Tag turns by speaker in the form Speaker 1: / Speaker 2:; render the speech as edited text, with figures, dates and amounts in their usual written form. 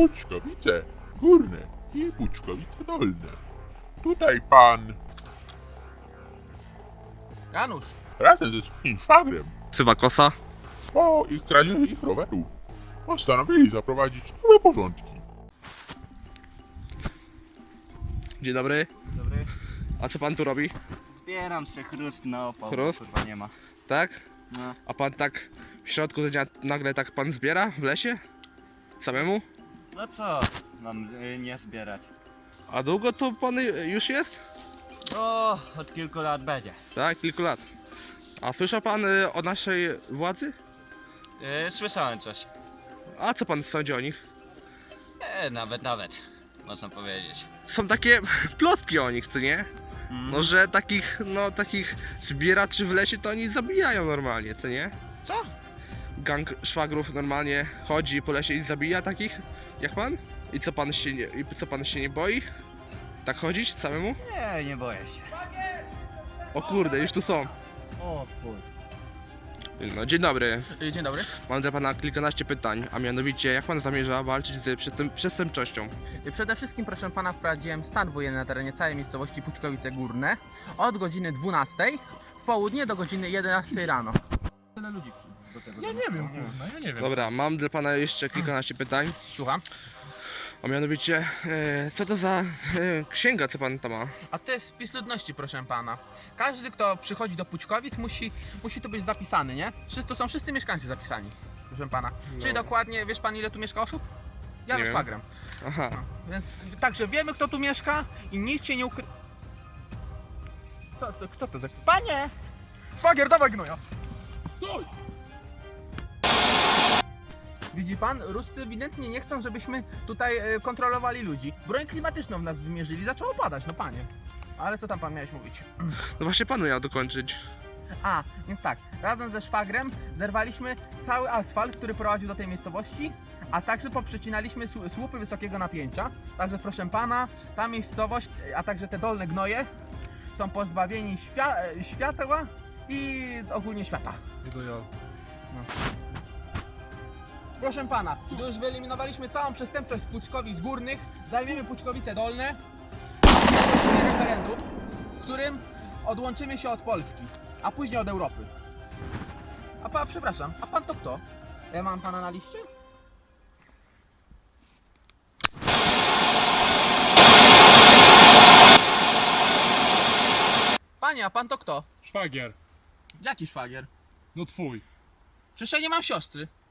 Speaker 1: Puczkowice Górne i Puczkowice Dolne. Tutaj pan
Speaker 2: Janusz!
Speaker 1: razem ze swoim szwagrem
Speaker 3: Ksywa Kosa.
Speaker 1: po ich kradzieży ich rowerów postanowili zaprowadzić nowe porządki.
Speaker 3: Dzień dobry.
Speaker 4: Dobry.
Speaker 3: A co pan tu robi?
Speaker 4: Zbieram się chrust na opał,
Speaker 3: Chrust?
Speaker 4: kurwa nie ma.
Speaker 3: Tak?
Speaker 4: No.
Speaker 3: A pan tak w środku dnia nagle tak pan zbiera w lesie? Samemu?
Speaker 4: No co mam nie zbierać?
Speaker 3: A długo to pan już jest?
Speaker 4: O, od kilku lat będzie.
Speaker 3: Tak, kilku lat. A słyszał pan o naszej władzy?
Speaker 4: Słyszałem coś.
Speaker 3: A co pan sądzi o nich?
Speaker 4: Nawet, można powiedzieć.
Speaker 3: Są takie plotki o nich, co nie? No, że takich zbieraczy w lesie to oni zabijają normalnie, co nie?
Speaker 4: Co?
Speaker 3: Gang szwagrów normalnie chodzi po lesie i zabija takich jak pan? I co pan się nie boi? Tak chodzić samemu?
Speaker 4: Nie boję się.
Speaker 3: O kurde, już tu są.
Speaker 4: O kurde.
Speaker 3: No, dzień dobry.
Speaker 2: Dzień dobry.
Speaker 3: Mam dla pana kilkanaście pytań, a mianowicie jak pan zamierza walczyć z przestępczością?
Speaker 2: Przede wszystkim, proszę pana, wprowadziłem stan wojenny na terenie całej miejscowości Puczkowice Górne od godziny 12 w południe do godziny 11 rano. Tyle ludzi do tego.
Speaker 5: Ja nie wiem, kurwa, ja nie wiem.
Speaker 3: Dobra, mam dla pana jeszcze kilkanaście pytań,
Speaker 2: Słucham.
Speaker 3: a mianowicie co to za księga, co pan tam ma?
Speaker 2: A to jest spis ludności, proszę pana. Każdy, kto przychodzi do Puczkowic, musi tu być zapisany, nie? Tu są wszyscy mieszkańcy zapisani, proszę pana. Czyli dokładnie, wiesz pan, ile tu mieszka osób? Janusz
Speaker 3: wiem.
Speaker 2: Szwagrem.
Speaker 3: Aha,
Speaker 2: Więc także wiemy, kto tu mieszka i nic się nie ukry... Kto to za... Panie! Szwagier, dawaj gnoja! Widzi pan, Ruscy ewidentnie nie chcą, żebyśmy tutaj kontrolowali ludzi. Broń klimatyczną w nas wymierzyli, zaczęło padać, no panie. Ale co tam pan miałeś mówić?
Speaker 3: no właśnie panu miał dokończyć.
Speaker 2: A, więc tak, razem ze szwagrem zerwaliśmy cały asfalt, który prowadził do tej miejscowości, a także poprzecinaliśmy słupy wysokiego napięcia. Także proszę pana, ta miejscowość, a także te dolne gnoje są pozbawieni światła i ogólnie świata. Proszę pana, gdy już wyeliminowaliśmy całą przestępczość z Puczkowic Górnych, zajmiemy Puczkowice Dolne i ogłosimy referendum, w którym odłączymy się od Polski, a później od Europy. Przepraszam, a pan to kto? Ja mam pana na liście? Panie, a pan to kto?
Speaker 5: Szwagier,
Speaker 2: Jaki szwagier?
Speaker 5: no twój.
Speaker 2: Przecież ja nie mam siostry.